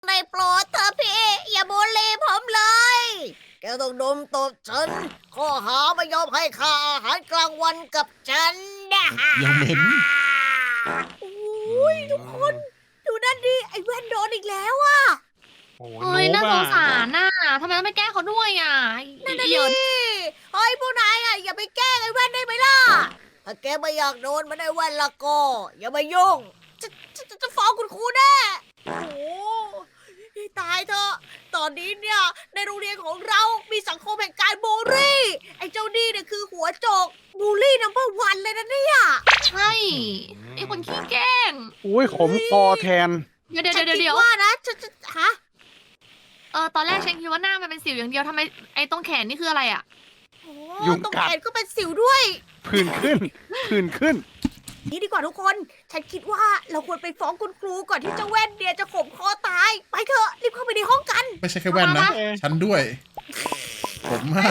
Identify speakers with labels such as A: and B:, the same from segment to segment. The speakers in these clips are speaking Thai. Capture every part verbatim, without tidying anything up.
A: ได้โปรดเธอะพี่ อย่าบูลลี่ผมเลย แกต้องดมตบฉัน ข้อหาไม่ยอมให้ค่าอาหารกลางวันกับฉันนะ
B: ยังเหม็น
A: โอ้ยทุกคน ดูนั่นดิ ไอ้แว่นโดนอีกแล้วอะ
C: โอ้
D: เฮ้ย
C: โน้
D: น่า
C: บ
D: ส
C: อะ
D: งสารน่ะทำไมต้องไปแกล้งเขาด้วยอ่ะ
A: นั่นน่ะ
D: เดี๋
A: ดิ
D: ยว
A: เฮ้ยพวกนายอะอย่าไปแกล้งไอ้แว่นได้ไหมล่ะ ถ้าแกไม่อยากโดนมันไอ้แว่นละก็ อย่ามายุ่ง จะจะจะจะฟ้องคุณครูแน่ โอ้โหตายเถอะ ตอนนี้เนี่ย ในโรงเรียนของเรามีสังคมแห่งการบูลลี่ ไอ้เจ้านี่เนี่ยคือหัวโจกบูลลี่นัมเบอร์วันเลยนะเนี่ย
D: ใช่ไอ้คนขี้แกล้ง
E: อุ้ยขมคอแทน
D: เดี๋ยวเดี๋ยว
A: ฉัน
D: เดี๋ยว
A: คิ
D: เดี๋ยว
A: ว่านะจะจะฮะ
D: เออตอนแรกฉันคิดว่าหน้ามันเป็นสิวอย่างเดียวทำไมไอ้ตรงแขนนี่คืออะไรอ่ะ
A: โอ้
E: ยุง
A: ตรง
E: กัด
A: แขนก็เป็นสิวด้วย
E: ผื่นขึ้น ผื่นขึ้น
A: นี่ดีกว่าทุกคน ฉันคิดว่าเราควรไปฟ้องคุณครูก่อนที่เจ้าแว่นเนี่ยจะข่มคอตาย ไปเถอะ รีบเข้าไปในห้องกัน
B: ไม่ใช่แค่แว่นนะ ฉันด้วย ผมมาก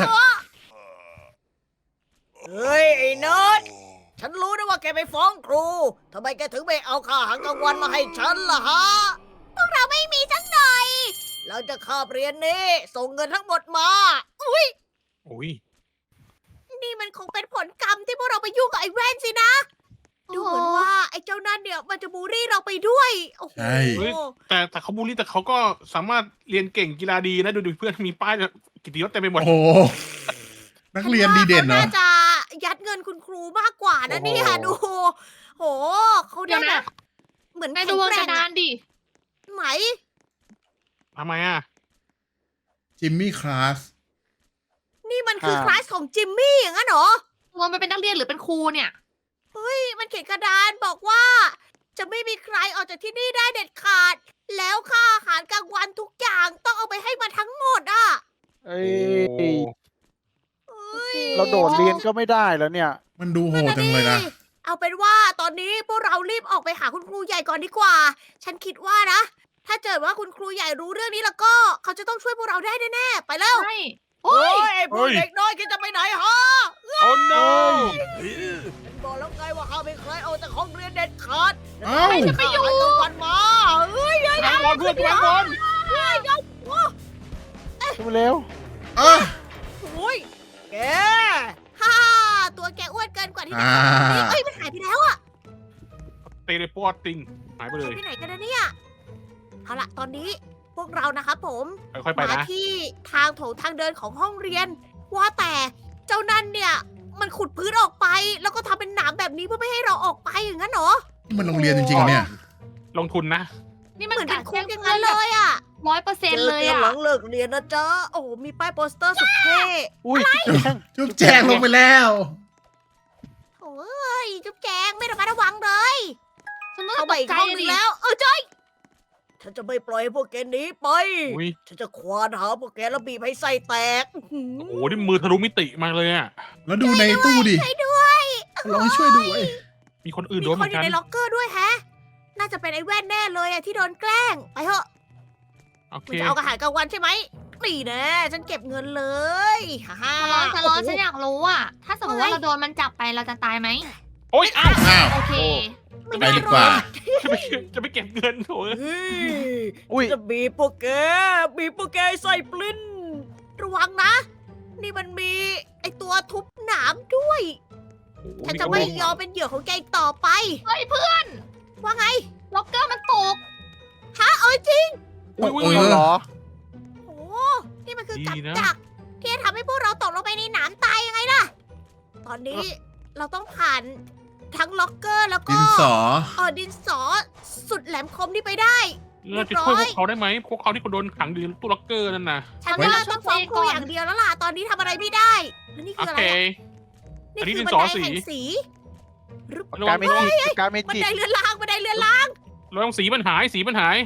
A: เฮ้ย ไอ้เนิร์ดฉันรู้นะว่าแกไปฟ้องครู ทำไมแกถึงไม่เอาค่าอาหารกลางวันมาให้ฉันล่ะฮะ พวกเราไม่มีสักหน่อย เราจะคาบเรียนนี้ ส่งเงินทั้งหมดมา อุ้ย
C: อุ้ย
A: นี่มันคงเป็นผลกรรมที่พวกเราไปยุ่งกับไอ้แว่นสินะ ดูเหมือนว่าไอ้เจ้านั่นเนี่ยมันจะบูลลี่เราไปด้วย โอ้โห
B: ใช่
C: แต่แต่เขาบูลลี่แต่เขาก็สามารถเรียนเก่งกีฬาดีนะ ดูดูเพื่อนมีป้ายกิตติยศเต็มไปหมด
B: โอ้โห นักเรียนดีเด่นเหรอ
A: ฉัว่าขาน่าจะยัดเงินคุณครูมากกว่านะ
C: โอ้โห
A: เนี่ยดู โหเขา
D: เดี๋
A: ได้
D: ยว
A: แบ
D: นะ
A: บเหมือน
D: นายดูบนกระดานดิ
A: ไหม
C: ทำไมอ่ะ
B: จิมมี่คลาส
A: นี่มันคือ
E: อ่า
A: คลาสของจิมมี่อย่างนั้นเหรอ
D: ตัวมันเป็นนักเรียนหรือเป็นครูเนี่ย
A: เฮ้ย มันเขียนกระดานบอกว่า จะไม่มีใครออกจากที่นี่ได้เด็ดขาด แล้วค่าอาหารกลางวันทุกอย่างต้องเอาไปให้มาทั้งหมดอ่ะ
E: เอ้
C: โอ้
E: ย
A: เฮ้ย
E: เราโดดเรียนก็ไม่ได้แล้วเนี่ย
B: มันดูโหดจังเลยนะ
A: เอาเป็นว่าตอนนี้พวกเรารีบออกไปหาคุณครูใหญ่ก่อนดีกว่า ฉันคิดว่านะ ถ้าเกิดว่าคุณครูใหญ่รู้เรื่องนี้แล้วก็ เขาจะต้องช่วยพวกเราได้แน่ๆ ไปแล้ว
D: ใช่
A: เฮ้ยไอ้พวก
C: เฮ้ย
A: เด็กน้อยแกจะไปไหนฮะ
C: โอ้ no
A: ฉันบอกแล้วไงว่าห้ามไม่ใครเอาแต่ห้องเรียนเด็ดขาด
B: เอ้า
A: ใครจะไปอยู่กลางวันมาเฮ้ยเฮ้ย
C: วางบอลเพื่อนวางบอล
A: เฮ้ยเดี๋ยวโอ้
E: ขึ้นมาเร็ว
B: เอ้า
A: โอ้ยแกฮ่าตัวแกอ้วนเกินกว่าที่จะ
B: อ่า
A: ทำเอ้ยมันหายไปแล้วอะ
C: เตะเลยปอดติงหายไปเล
A: หาย
C: ย
A: ไปไหนกันนะเนี่ยเอาละตอนนี้พวกเรานะครับผม
C: ค่อยๆไป
A: มา
C: นะ
A: ที่ทางโถงทางเดินของห้องเรียน ว่าแต่เจ้านั่นเนี่ย มันขุดพื้นออกไป แล้วก็ทำเป็นหนามแบบนี้เพื่อไม่ให้เราออกไปอย่างนั้นเหรอ
B: นี่มันโรงเรียนจริงๆเหรอเนี่ย
C: ลงทุนนะ
D: นี่มัน
A: เหมือนเป็
D: กาน ร
A: คุ
D: แกล้
A: ก
D: ง
A: อย่าง
D: เพื่อ
A: นั้น น
D: แบ
A: เล
D: บ
A: ยอ่ะ
D: ร้อยเปอร์เซ็นต์เลย
A: จอ
D: อ่ะ
A: หลังเลิกเรียนนะจ๊ะโอ้โหมีป้ายโปสเตอร์สุดเท่
E: อุ้ยแจ้ง
B: จุ๊บแจงลงไปแล้ว
A: โอ้ยจุ๊บแจงไม่ระมัดระวังเลย
D: ฉันก็
A: เข้า
D: ต
A: ไป
D: ก
A: อีก
D: ใจ
A: ห้องห
D: ดิ
A: นึงแล้ว เออใช่ฉันจะไม่ปล่อยให้พวกแกหนีไป
C: อุ้ย
A: ฉันจะควานหาพวกแกแล้วบีบให้ไส้แตกอื้อหือ
C: โอ้โหนี่มือทะลุมิติมาเลยอ่ะ
B: แล้วดูในตู้ดิ
A: ช่วยด้วย
B: ลองให้ช่วยด้วย
C: มีคนอื่น
A: มี
C: โดน
A: ค
C: เหมื
A: น
C: อน
A: อ
C: กั
A: ยู่
C: น
A: ในล็อกเกอร์ด้วยแฮะ น่าจะเป็นไอ้แว่นแน่เลยอะที่โดนแกล้ง ไปเถอะ
C: โอเค
A: คุณจะเอาอาหารกลางวันใช่ไหมนี่แน่ฉันเก็บเงินเลยฮ่าฮ่า
D: ฉันร้อนฉันร้อนฉันอยากรู้อ่ะ ถ้าสมมติว่าเราโดนมันจับไปเราจะตายไหม
C: โอ้ยอ้าว
B: อ้าว
D: โอเค
A: ไม่
B: ไป
A: น่า
B: ดีกว่า
A: รอด
C: จะไปจะไปเก็บเงินโถ
A: เฮ้ย
E: อุ้ย
A: จะบีบพวกแกบีบพวกแกให้ไส้ปลิ้น ระวังนะ นี่มันมีไอตัวทุบหนามด้วย ฉันจะไม่ยอมเป็นเหยื่อของแกอีกต่อไป
D: เฮ้ยเพื่อน
A: ว่าไง
D: ล็อกเกอร์มันตก
A: ฮะเอ้ยจริง
C: อุ้ยอุ้ย
B: เอ
C: อุ้ย
B: อ
E: เหรอ
A: โอ้นี่มันคือ
C: ดี
A: กับ
C: นะ
A: ดักที่จะทำให้พวกเราตกลงไปในหนามตายยังไงล่ะ ตอนนี้เราต้องผ่านทั้งล็อกเกอร์แล้ว
B: ดิ
A: ก็
B: นสอ
A: เออดินสอสุดแหลมคมที่ไปได้
C: เราจะช่วยพวกเขาได้ไหมพวกเขาที่เขาโดนขังอยู่ในตู้ล็อกเกอร์นั่นน่ะ
A: ฉัน
D: ไว้
A: ว่าต้องฟ้องครูอย่างเดียวแล้วล่ะ ตอนนี้ทำอะไรไม่ได้ แล้วนี่
C: โอ
A: คืออะไร
C: เค
A: อะ
C: อันนี้
A: นี่
C: ดิ
A: คือน บัน
C: สอ
A: ได
C: สี
A: แห่งสี
C: ระ
E: กา
C: วั
E: รง เมจิกการเม
A: บัน
E: จิก
A: ไดเลื่อนล่างบันไดเลื่อนล่าง
C: ระวังสีมันหายสีมันหาย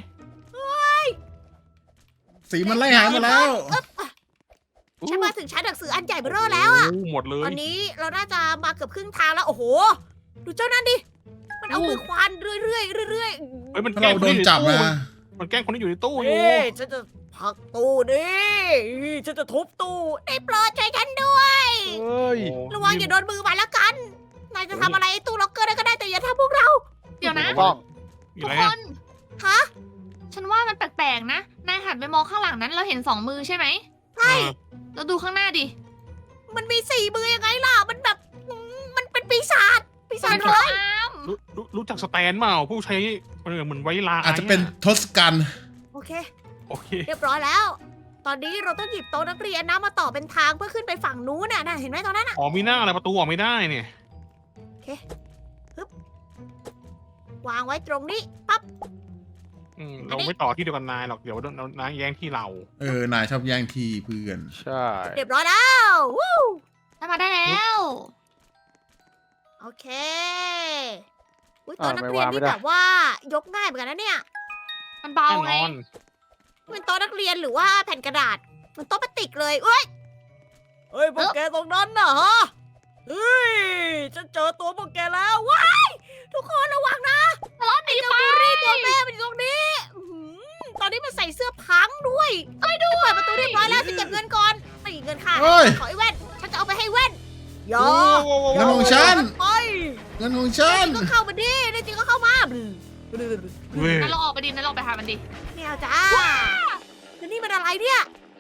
B: สีมันไล่หายหมาแล้ว
A: ฉันมาถึงชั้นหนังสืออันใหญ่เบ้อเร่อแล้วอะ
C: โหหมดเล
A: ต
C: ย
A: อนนี้เราน่าจะมาเกือบครึ่งทางแล้ว โอ้โห ดูเจ้านั่นดิ มันเอามือควานเรื่อยๆเรื่อยๆ
C: เฮ้ยมัน
B: ถ้า
C: แกล้
B: เรา
C: งค
B: โด
C: น
B: น
C: ที่อยู่ใน
B: จับ
C: ตู้
B: นะ
C: มันแกล้งคนที่อยู่ในตู้อยู่
A: เฮ้ยฉันจะผลักตู้นี่ฉันจะทุบตู้ได้โปรดช่วยฉันด้วย
E: เอ้ย
A: ระวังอย่าโดนมือมันละกัน นายจะทำอะไรไอ้ตู้ล็อกเกอร์ได้ก็ได้แต่อย่าทำพวกเรา
D: เดี๋ยวนะ
E: ต้อง
C: อ
D: ทุ
C: ยู่
D: ก
C: ไร
D: ค
C: อะ
D: น
A: ฮะ
D: ฉันว่ามันแปลกๆนะ นายหันไปมองข้างหลังนั้นเราเห็นสองมือใช่ไหม
C: ใช่
D: เราดูข้างหน้าดิ
A: มันมีสี่มือยังไงล่ะ มันแบบอืมมันเป็นปีศาจปีศาจ
D: มัน
A: ร้าย
D: อ้าม
C: รู้รู้รู้จักสแตนเปล่าผู้ใช้เออเหมือนไว้ลา
B: อาจจะเป็นทศกัณฐ์
A: โอเค
C: โอเค
A: เรียบร้อยแล้ว ตอนนี้เราต้องหยิบโต๊ะนักเรียนนะมาต่อเป็นทางเพื่อขึ้นไปฝั่งนู้นน่ะนะเห็นไหมตอนนั้นน่ะ
C: อ๋อมีหน้าอะไรประตูออกไม่ได้เนี่ย
A: วางไว้ตรงนี้ปั๊บ
C: อืม
A: อัน
C: เรา
A: นี้
C: ไม่ต่อที่เดียวกันนายหรอกเดี๋ยวนายแย่งที่เรา
B: เออนายชอบแย่งที่เพื่อน
E: ใช่
A: เรียบร้อยแล้ววู้
D: ได้มาได้แล้ว
A: โอเคอุ้ยโต๊ะนักเรียนนี่แบบว่ายกง่ายเหมือนกันนะเนี่ย
D: มันเบา
C: แน่
D: ไง
C: นอน
A: เป็นโต๊ะนักเรียนหรือว่าแผ่นกระดาษ มันโต๊ะพลาสติกเลยเอ้ยเฮ้ยพวกแกตรงนั้นน่ะฮะเฮ้ยฉันเจอตัวพวกแกแล้วว้ายทุกคนระวังนะ
D: รถหนี
A: เจ้า
D: ไป
A: บูรี่ตัวแม่มันอยู่ตรงนี้อื้อหือตอนนี้มันใส่เสื้อพังด้วยเอ้ยดูเปิดประตูเรียบร้อยแล้วจะเก็บเงินก่อนไม่เงินค่ะ
B: เฮ้ย
A: ขอไอ้แว่นฉันจะเอาไปให้แว่นอย่า
C: โอ้โห
B: เงินของฉัน
A: ไป
B: เงินของฉัน
A: ก็เข้ามาดิในจริงก็เข้ามา
C: เว้ย
D: นั่นเราออกไปดินั่นเราไปหามันดิ
A: ไม่เอาจ้าแล้วนี่มันอะไรเนี่ย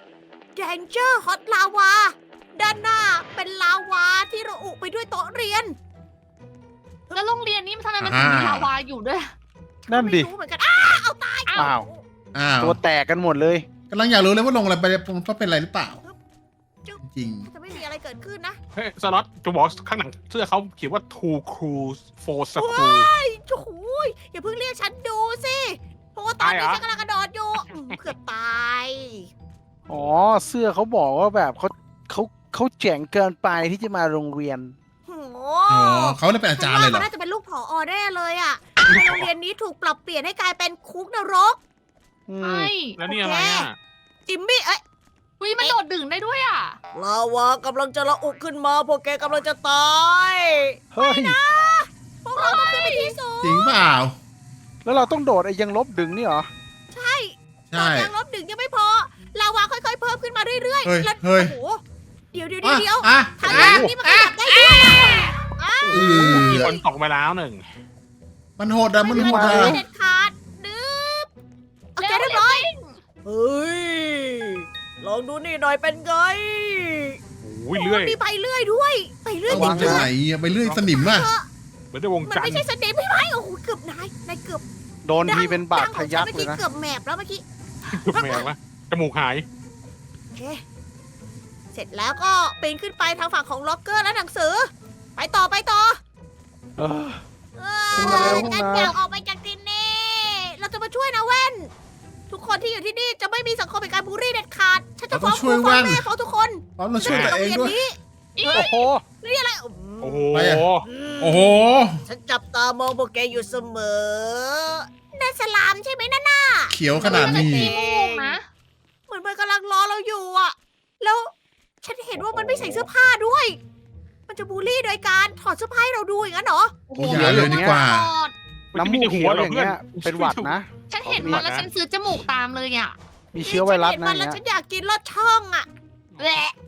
A: Danger Hot Lava ด้านหน้าเป็นลาวาที่ระอุไปด้วยโต๊ะเรียน
D: แล้วโรงเรียนนี้มันทำไมมันถึงมี
B: อ่า
D: ลาวาอยู่ด้วย
E: นั่นดิ
A: ไม่รู้เหมือนกันอ้าเอาตาย
D: อ้าว
E: อ้าว
B: อ้าว
E: ตัวแตกกันหมดเลย
B: กำลังอยากรู้เลยว่าลงอะไรไปว่าเป็นอะไรหรือเปล่า จริง
A: จะไม่มีอะไรเกิดขึ้นนะ
C: เฮ้ยสล็อตจะบอกข้างหลังเสื้อเขาเขียนว่า two crews for school
A: โอ้โหยอย่าเพิ่งเรียกฉันดูสิเพราะว่าตอนนี้
C: ตายเหรอ
A: ฉันกำลังกระโดดอยู่อืมเกือบตาย
E: อ๋อ เสื้อเขาบอกว่าแบบเขาเขาเขาแจ๋งเกินไปที่จะมาโรงเรียน
A: โอ้โห
B: อ๋อเขาเลยเป็นอาจารย์เลยเหรอ
A: ฉันว่มันน่าจะเป็นลูกผออแน่เลยอ่ะในโรงเรียนนี้ถูกปรับเปลี่ยนให้กลายเป็นคุกนรก
E: อืม
D: ไอ้
C: แล้วนี่อะไรอ่ะ
A: จิมมี่เอ้ย
D: วิมันโดดดึงได้ด้วยอ่ะ
A: ลาวากำลังจะระอุขึ้นมาพวกแกกำลังจะตาย
E: เฮ้ย
A: พวกเราต้องขึ้นไปที่สูง
B: จริงเปล่า
E: แล้วเราต้องโดดไอ้ยังลบดึงนี่เหรอ
A: ใช่
B: ใช่
A: ตอนยังลบดึงยังไม่พอ ลาวาค่อยๆ เพิ่มขึ้นมาเรื่อย
B: เฮ้ย
A: ๆแล้ว
B: เฮ้ย
A: โอ้โหเดี๋ยวเดี๋ยวเดี๋ยวเดี๋ยว
B: อ่ะ
A: ทาง
B: อ่ะ
A: ล่างนี่มันขยับได้ด้วยอ่ะ
B: เอ
C: มี
B: อ
C: คนตกไปแล้วหนึ่ง
B: มันโหดอะมัน
A: ไม่
B: โห
A: มี
B: ด
A: ใคร
B: อะ
A: เด็ดขาดนึบโอเคเรียบร้อยเฮ้ยลองดูนี่หน่อยเป็นไง
C: โอ้ยเรื่อย
A: มีใบเลื่อยด้วยใบเลื่อย
B: เอา
A: จ
B: วางจาก
A: ริง
B: ไหนอะไปเรื่อยสนิมอะ
C: เหมือนได้วง
A: ๆมัน
C: จันท
A: ไม่
C: ร์
A: ใช่สเนปไม่ไหมโอ้โหเกือบนายนายเกือบ
E: โดนทีเป็นบาดทะยัก
A: ดังของฉัน
E: เลย
A: เมื่อ
E: นะ
A: กี้เกือบแมบแล้วเมื่อกี้
C: เกือบแมววะจมูกหาย
A: โอเคเสร็จแล้วก็ปีนขึ้นไปทางฝั่งของล็อกเกอร์และหนังสือ ไปต่อไปต่อ
E: เออ
A: เอ
E: ขึ้นมาเร็
A: อ
E: ว
A: ฉัน
E: ขึ้นมา
A: อยากออกไปจากที่นี่ เราจะมาช่วยนะแว่น ทุกคนที่อยู่ที่นี่จะไม่มีสังคมเป็นการบูลลี่เด็ดขาด ฉันจะฟ้องครูฟ้องแม่ฟ้องทุกคน
B: พร้อมเราช่วยตัวเองด้วย
A: นี้
E: โอ้โห
A: นี่อะไร
C: โอ้โห
B: ไปอะ โอ้โห
A: ฉันจับตามองพวกแกอยู่เสมอนั่นสลามใช่ไหมนั่นน่ะ
B: เขียวขนาดนี้
D: ขี้มูกนะ
A: เหมือนมันกำลังรอเราอยู่อะแล้วฉันเห็นว่ามันไม่ใส่เสื้อผ้าด้วย มันจะบูลลี่โดยการถอดเสื้อผ้าให้เราดูอย่างนั้นเหรอ
B: โอ้อย่าเลยดีกว่า
E: น้ำมูกเขียวอย่างเงี้ย เป็นหวัดนะ
D: ฉันเห็นมันแล้วฉันซื้อจมูกตามเลยอ่ะ
E: มีเชื้อไวรัส
A: ฉันเห็น
E: นะ
A: มัน
E: อ
A: แล้ว
E: ย่าง
A: ฉั
E: เงี้
A: น
E: ย
A: อยากกินลอดช่องอะ
D: แหละ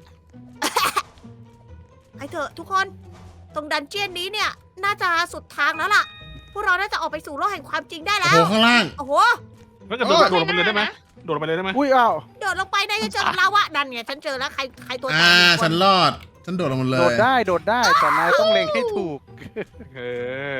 A: ไอเถอะทุกคนตรงดันเจียนนี้เนี่ยน่าจะสุดทางแล้วล่ะ พวกเราน่าจะออกไปสู่โลกแห่งความจริงได้
B: โอ้
A: แล้
B: โห
A: ว
B: ข้างล่าง
A: โอ้โห
C: แล้วจะโดดโดดลงไปเลยได้ไหมโดดลงไปเลยได้ไหม
E: อุ้ยอ้าว
A: โดดลงไปในจะเจอกับลาวะนั่นไงฉันเจอแล้วใครใครตัวแต
B: อ่าก
A: อีกค
B: ฉันรอด ฉันโดดลงมาเล
E: โด
B: ย
E: ดได้โดดได้แต่นายต้องเล็งให้ถูก
C: เออ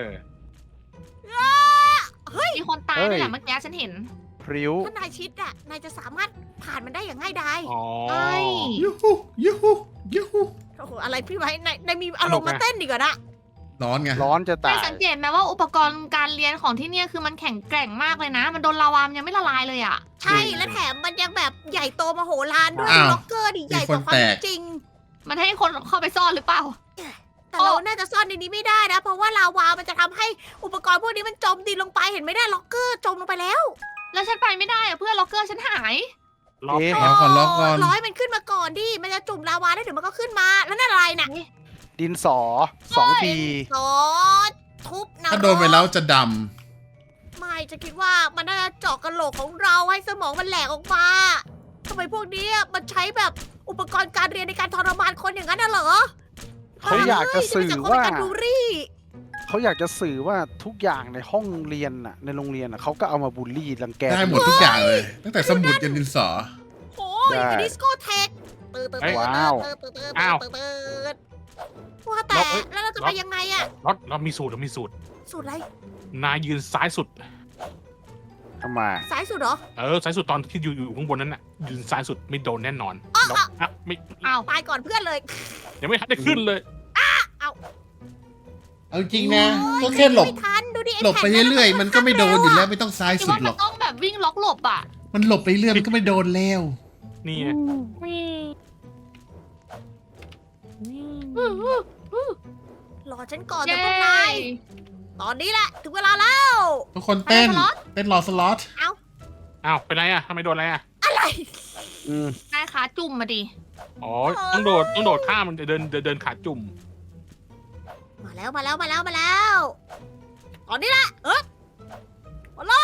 D: มีคนตายด้วยแหละเมื่อกี้ฉันเห็น
E: พริ้ว
A: ถ้านายชิดอะนายจะสามารถผ่านมันได้อย่างง่ายดาย
C: อ๋อ
D: ใช่
B: ยูฮูยูฮูยูฮู
A: โอ้โหอะไรพี่ไว้นายนายมีอารมณ์มาเต้นดีกว่านะ
B: ร้อนไง
E: ร้อนจะ
D: นา
E: ตาย ย
D: สังเกตไหมว่าอุปกรณ์การเรียนของที่เนี่ยคือมันแข็งแกร่งมากเลยนะ มันโดนลาวามนยังไม่ละลายเลยอ่ะ
A: ใช่และแถมมันยังแบบใหญ่โตมโหฬารด้วย
B: อ้าว
A: ล็อกเกอร์ดิใหญ่กว่าความเป็นจริง
D: มันให้คนเข้าไปซ่อนหรือเปล่า
A: แต่เราน่าจะซ่อนในนี้ไม่ได้นะ เพราะว่าลาวา มันจะทำให้อุปกรณ์พวกนี้มันจมดินลงไป เห็นไหมได้ล็อกเกอร์จมลงไปแล้ว
D: แล้วฉันไปไม่ได้อะเพื่อนล็อกเกอร์ฉันหาย
C: ล็อก
E: เอ๊ะ
B: ล็อกก่อนล็อกก่อน
A: ร้อยมันขึ้นมาก่อนดิ มันจะจุ่มลาวาได้เดี๋ยวมันก็ขึ้นมา แล้วนั่นอะไรน่ะ
E: ดินสอสองที
A: ซอสทุบนะ
B: ถ้าโดนไปแล้วจะด
A: ไม่จะคิดว่ามันน่าจะเจาะกระโหลกของเราให้สมองมันแหลกออกมาทำไมพวกนี้มันใช้แบบอุปกรณ์การเรียนในการทรมานคนอย่างนั้นน่ะเหรอ
E: เขาอยากจะสื่อ
A: เฮ้ย
E: ว่า
A: จะเป็นสังคมในการบูลลี่
E: เขาอยากจะสื่อว่าทุกอย่างในห้องเรียนน่ะในโรงเรียนน่ะเขาก็เอามาบูลลี่รังแก
B: ได้หมดทุกอย่างเลย ตั้งแต่สมุดยันดินสอ
A: โอ้ยอันนี้สโกเทคตื่นตื่นตื่น
E: ว้าว
A: ตื่นตื่นตื่น
C: อ้าว
A: ตื่นตื่นว่าแต่แล้วเราจะไปยังไงอะ
C: เราเรามีสูตรเรามีสูตร
A: สุดอะไร
C: นายยืนซ้ายสุด
E: ทำไม
A: สายสุดเหรอ
C: เออซ้ายสุดตอนที่อยู่อยู่ข้างบนนั้นน่ะยืนซ้ายสุดไม่โดนแน่นอน
A: อ๋อ
C: แล้วอ่ะไม่
D: อ้าว
A: ตายก่อนเพื่อนเลย
C: ยังไม่ทันได้ขึ้นเลย
B: เอาจริงนะก็แค่หลบ
A: ไม่ทันดูดิอ้
B: หลบไป
A: แผ่น
B: เรื่อยๆ มันก็ไม่โดนอยู่แล้วไม่ต้องซ้าย
D: คิด
B: สุด
D: ว่า
B: หร
D: มั
B: อน ก
D: ต้องแบบวิ่งล็อกหลบอ่ะ
B: มันหลบไปเรื่อยมันก็ไม่โดนแล้ว
C: นี่ไง
A: รอฉันก่อน
D: เย้
A: นะพวกนายตอนนี้แหละถึงเวลาแล้ว
B: ทุกคนเต้น
D: อะไรสล็อต
B: เต้นรอสล็อต
C: อ้าวเป็นไรอ่ะทำไมโดนอะไรอ่ะ
A: อะไร
E: อืม
D: นายขาจุ่มมาดิ
C: อ๋อต้องโดดต้องโดดข้ามมันเดินเดินเดินขาจุ่ม
A: มาแล้วมาแล้วมาแล้วมาแล้วตอนนี้แหละเออมาเลย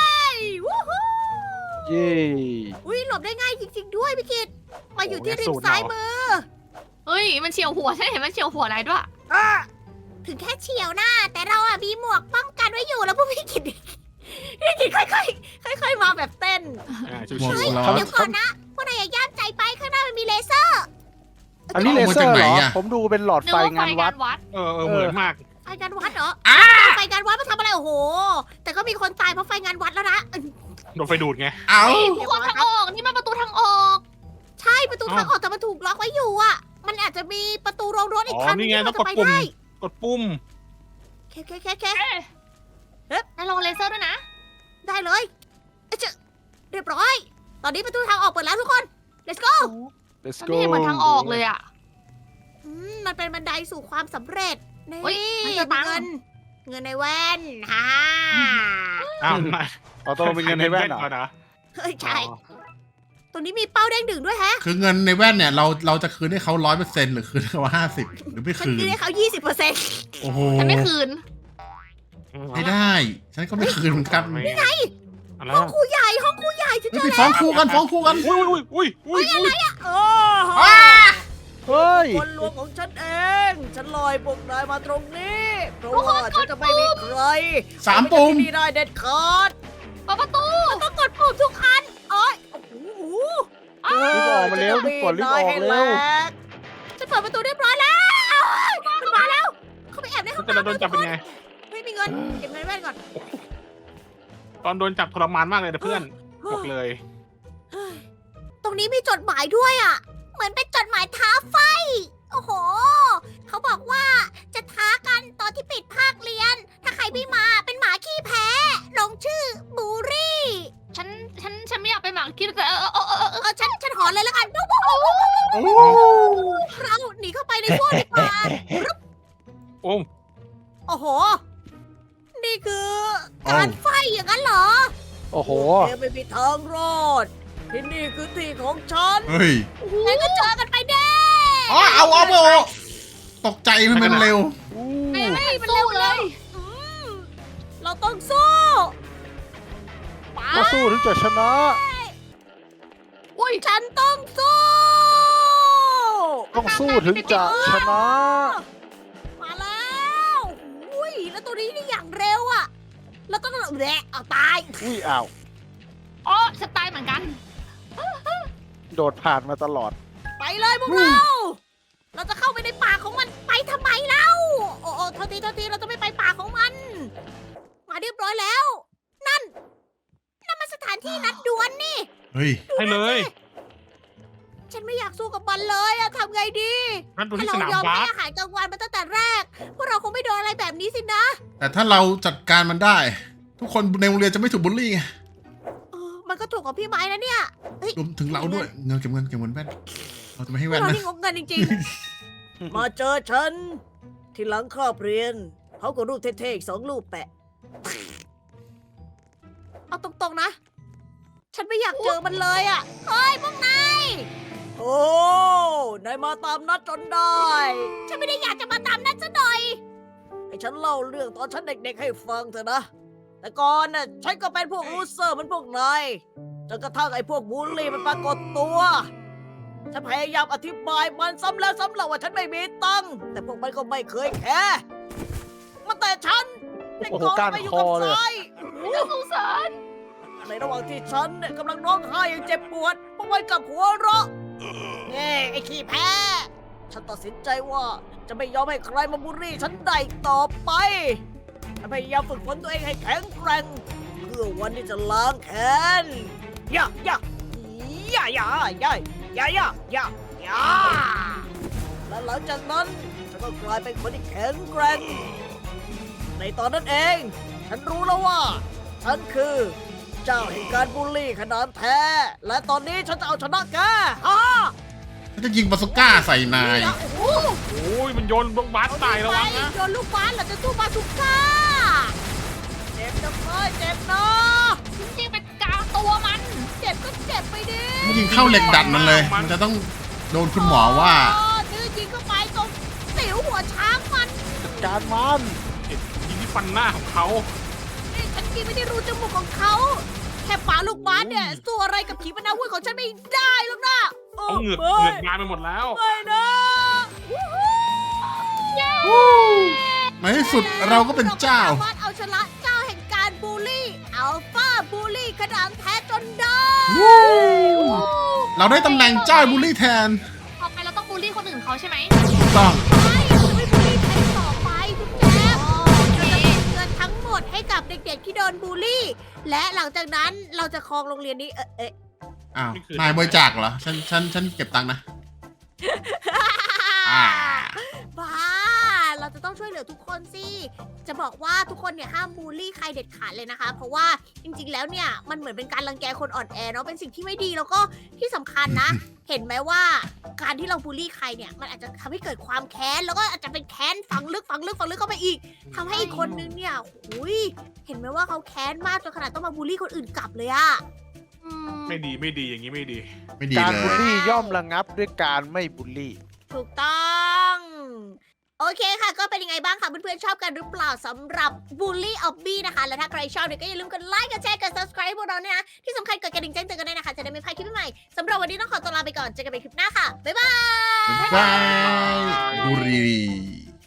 A: วู้ฮู้
E: เย้
A: อุ้ยหลบได้ง่ายจริง ๆ ด้วยพี่กิตมาอยู่ที่ริมซ้ายมือ
D: เฮ้ย มันเฉียวหัวฉันเห็นมันเฉียวหัวอะไรด้วย
A: อ่ะถึงแค่เฉียวหน้า แต่เราอะมีหมวกป้องกันไว้อยู่แล้วพวกพี่กิตพี่กิตค่อยๆค่อยๆมาแบบเต้น
C: อ่าชิ
B: หมวก
C: ว
B: ส
C: ๆ
B: ล็อต
A: เดี๋ยวก่อนนะพวกนายอย่าย่ามใจไปข้างหน้ามันมีเลเซอร์
E: อันนี้เล
B: เอามา
E: เซอ
B: จาก
E: ร์
B: ไหน
E: เหรอ
B: อะ
E: ผมดูเป็นหลอด
D: นึก
E: ไฟ
D: ว่าไฟ
E: งานวั
D: งา
E: ด
D: นวัด
C: เออเออเหมือนมาก
A: ไฟงานวัดเหรอไฟงานวัดมาทำอะไรโอ้โห แต่ก็มีคนตายเพราะไฟงานวัดแล้วนะ
C: โดนไฟดูดไง
B: เอา
D: ทุกคนทางออก นี่มันประตูทางออก
A: ใช่ประตูทางออกแต่มันถูกล็อกไว้อยู่อ่ะ มันอาจจะมีประตูโรงรถอีก
C: อ๋อ
A: ทาง
C: นี่ไง
A: ที่
C: ต้
A: เรา
C: องก
A: จะ
C: ด
A: ไป
C: ปุ่ม
A: ได้
C: กดปุ่ม
A: เคเคเคเค
D: เอ๊ะนายลองเลเซอร์ด้วยนะ
A: ได้เลยเอ้ยเจะเรียบร้อย ตอนนี้ประตูทางออกเปิดแล้วทุกคน let's go
E: let's
D: มัน
E: go
D: ไม่เห็นเหมือนทางออกเลยอ่ะ
A: อืมมันเป็นบันไดสู่ความสำเร็จนี่
D: เฮ้ยมันจะตังค์
A: เงิน เงินในแว่นฮ่า
C: อ้าวนาย
E: เอาตัวเป็นเงินให้แว่นเหรอ
C: ก่อนนะ
A: เฮ้ยใช่ ตรงนี้มีเป้าเด้งดึงด้วยแฮะ
B: คือเงินในแว่นเนี่ย เราเราจะคืนให้เขาร้อยเปอร์เซ็นต์หรือคืนให้เขาห้าสิบหรือไม่
A: ฉัน
B: คืน
A: คืนให้เขายี่สิบเปอร์เซ็นต์
B: โอ้โห
D: ฉันไม่คืน
B: ไม่ได้ ฉันก็ไม่คืนเหมือนกัน
C: นี่ไงอะไร
A: ห้อง
C: อ่ะ
A: ครูใหญ่ห้องครูใหญ่ฉัน
B: เฮ้
A: เจ
B: ย
A: อ
B: ไปฟ้องครูกันฟ้องครูกัน
C: อุ้ยอุ้ยอุ้ยอุ้ยอุ้ย
A: โอ้
E: เฮ้ย
A: คนลวงของฉันเอง ฉันลอยพวกนายมาตรงนี้ เพราะว่าฉันจะไม่มีใคร
B: สามปุ่ม
A: ที่นี่ได้เด็ดขาด
D: เปิดประตู
A: ต้องกดปุ่มทุกอันโอ้ยโอ้โห
E: รีบออกมาเร็วรีบกดรีบออกเร็ว
A: ฉันเปิดประตูเรียบร้อยแล้วมันมาแล้ว เขาไปแอบในห้อง
C: แต่เรา
A: น้ำ
C: โดนจับเป็นไง
A: ไม่มีเงิน เก็บเงินแว่นก่อน
C: ตอนโดนจับทรมานมากเลยนะเพื่อนบอกเลย
A: ตรงนี้มีจดหมายด้วยอ่ะ เหมือนเป็นจดหมายท้าไฟ โอ้โห เขาบอกว่าจะท้ากันตอนที่ปิดภาคเรียน ถ้าใครไม่มาเป็นหมาขี้แพ้ ลงชื่อบูรี่
D: ฉัน ฉัน ฉันไม่อยากไปหมาคิดแต่เออเออเออเออ
A: เออฉันฉันหอนเลยแล้วกัน
B: โอ้
A: เราหนีเข้าไปในพวกดีกว่า
C: โอ้
A: โอ้โห นี่คือการไฟอย่างนั้นเหรอ
E: โอ้โห
A: แกไม่มีทางรอด ที่นี่คือที่ของฉัน
B: เฮ้ย
A: งั้นก็เจอกันไปเด้
B: อ๋อเอาเอาเอาตกใจมันมันเร็ว
E: อู้
D: ไม่ไม่มันเร็วเลย
A: อืมเราต้องสู้ไป
E: ก็สู้ถึงจะชนะ
A: อุ้ยฉันต้องสู้
E: ต้องสู้ถึงจะชนะ
A: มาแล้วอุ้ยแล้วตัวนี้นี่อย่างเร็วอ่ะ แล้วต้องแหละเอาตาย
E: อุ้ยอ้าว
D: อ๋อฉันตายเหมือนกัน
E: โดดผ่านมาตลอด
A: ไปเลยพวกเรา เราจะเข้าไปในป่าของมันไปทำไมเล่าโอ้โอ้โทษทีโทษทีเราจะไม่ไปป่าของมัน มาเรียบร้อยแล้ว นั่น นั่นมันสถานที่นัดดวลนี่
B: เฮ้ย
C: ให้เลย
A: ฉันไม่อยากสู้กับมันเลยอะทำไงดี
C: นั่นดู
A: ถ้า
C: ที่ส
A: เรา
C: นาม
A: ยอม
C: บา
A: ให้
C: ส
A: อาหารกลางวันมาตั้งแต่แรก พวกเราคงไม่โดนอะไรแบบนี้สินะ
B: แต่ถ้าเราจัดการมันได้ ทุกคนในโรงเรียนจะไม่ถูกบูลลี่ไง
A: เออ มันก็ถูกกับพี่ไม้นะเนี่ย
B: รวมถึงเราด้วย เงินเก็บเงินเก็บเงินแว่น เราจะไม่ให้
A: พว
B: แว่
A: ก
B: น
A: เรา
B: นะ
A: นี่งกเงินจริงๆ มาเจอฉัน ที่หลังครอบเรียน เขาก็รูปเท่ๆอีกสองรูปแปะ เอาตรงๆนะ ฉันไม่อยากเจอมันเลยอ่ะ เฮ้ยพวกนาย โอ้นายมาตามนัดจนได้ ฉันไม่ได้อยากจะมาตามนัดซะหน่อย ให้ฉันเล่าเรื่องตอนฉันเด็กๆให้ฟังเถอะนะ แต่ก่อนน่ะฉันก็เป็นพวกลูเซอร์เหมันพวกนายจนกระทั่งไอ้พวกบูลลี่มันปรากฏตัว ฉันพยายามอธิบายมันซ้ำแล้วซ้ำเล่าว่าฉันไม่มีตังค์แต่พวกมันก็ไม่เคยแคร์มาแต่ฉันเด็ก
E: โอ้โห
A: กอง
E: ก้าน
A: ไปอยู่
E: ค
A: กับ
E: อเลย
A: ทราย
D: น่าสงสาร
A: ในระหว่างที่ฉันเนี่ยกำลังร้องไห้อย่างเจ็บปวดเพราะไว้กับหัวเราะเน่ไอ้ขี้แพ้ ฉันตัดสินใจว่าจะไม่ยอมให้ใครมาบูลลี่ฉันได้อีกต่อไปฉันพยายามฝึกฝนตัวเองให้แข็งแกร่งเพื่อวันที่จะล้างแค้นอย่าอย่าอย่าอย่าอย่าอย่าอย่าอย่าอย่าและหลังจากนั้นฉันก็กลายเป็นคนที่แข็งแกร่งในตอนนั้นเอง ฉันรู้แล้วว่า ฉันคือ เจ้าแห่งการบูลลี่ขนาดแท้ และตอนนี้ฉันจะเอาชนะแกฮ่า
B: ฉันจะยิงบาซูก้าใส่นาย
A: โอ้โห
C: โอ้ยมันโยนลูกบาสตายระวังนะ
A: โยนลูกบาสเหราจะสู้บาสุก้าเจ็บจังเลยเจ็บนะ
D: จริงๆเป็นกลางตัวมัน
A: เจ็บก็เจ็บไปดิ
B: มันยิงเข้าเหล็กดัดมันเลย มันจะต้องโดนคุณหมอว่า
A: ดื้อยิงเข้าไปตรงติ๋วหัวช้างมัน
E: จัดการมัน
C: ยิงที่ฟันหน้าของเขา
A: นี่ฉันกินไม่ได้รูจมูกของเขา แค่ปาลูกบาสเนี่ยสู้อะไรกับขีปนาวุธของฉันไม่ได้หรอกนะ
C: เอาเหงือก
A: ไม่
C: เหงือกบานไปหมดแล้ว
A: ไม่นะวู้ฮู้
B: ในที่สุดเราก็เป็นเจ้า
A: รสามารถเอาชนะเจ้าแห่งการบูลลี่อัลฟาบูลลี่ขนาดแท้จนได้
B: เราได้ตำแหน่งเจ้าบูลลี่แทน
D: ต่อไปเราต้องบูลลี่คนอื่นเขาใช่ไหม
B: ถูกต้อง
A: ไม่เราจะไม่บูลลี่ใครต่อไปทุกแก
D: โอเค
A: เราจะเงินทั้งหมดให้กับเด็กๆที่โดนบูลลี่ และหลังจากนั้นเราจะครองโรงเรียนนี้เออเอ๊ะ
B: อ้าว นายบริจาคเหรอ ฉัน ฉัน ฉันเก็บตังค์นะ อ่า
A: บ้า เราจะต้องช่วยเหลือทุกคนสิ จะบอกว่าทุกคนเนี่ยห้ามบูลลี่ใครเด็ดขาดเลยนะคะ เพราะว่าจริงๆ แล้วเนี่ยมันเหมือนเป็นการรังแกคนอ่อนแอเนาะ เป็นสิ่งที่ไม่ดีแล้วก็ที่สำคัญนะ เห็นไหมว่าการที่เราบูลลี่ใครเนี่ยมันอาจจะทำให้เกิดความแค้น แล้วก็อาจจะเป็นแค้นฝังลึกฝังลึกฝังลึกเข้าไปอีกทำให้อีกคนนึงเนี่ยหุยเห็นไหมว่าเขาแค้นมากจนขนาดต้องมาบูลลี่คนอื่นกลับเลยอะ
D: อืม
C: ไม่ดีไม่ดีอย่างนี้ไม่ดี
B: ไม่ดี
E: การ
B: เล
E: บูล
B: ย
E: ลี่ย่อมระงับด้วยการไม่บูลลี่
A: ถูกต้อง โอเคค่ะ ก็เป็นยังไงบ้างคะเพื่อนๆชอบกันหรือเปล่าสำหรับบูลลี่ออบบี้นะคะ และถ้าใครชอบเนี่ยก็อย่าลืมกดไลค์กดแชร์กด subscribe พวกเราเนี่ยนะ ที่สำคัญกดกระดิ่งแจ้งเตือนกันด้วยนะคะ จะได้ไม่พลาดคลิปใหม่ๆสำหรับวันนี้ต้องขอตัวลาไปก่อนเจอกันใหม่คลิปหน้าค่ะ บ๊ายบาย
B: บายบุรี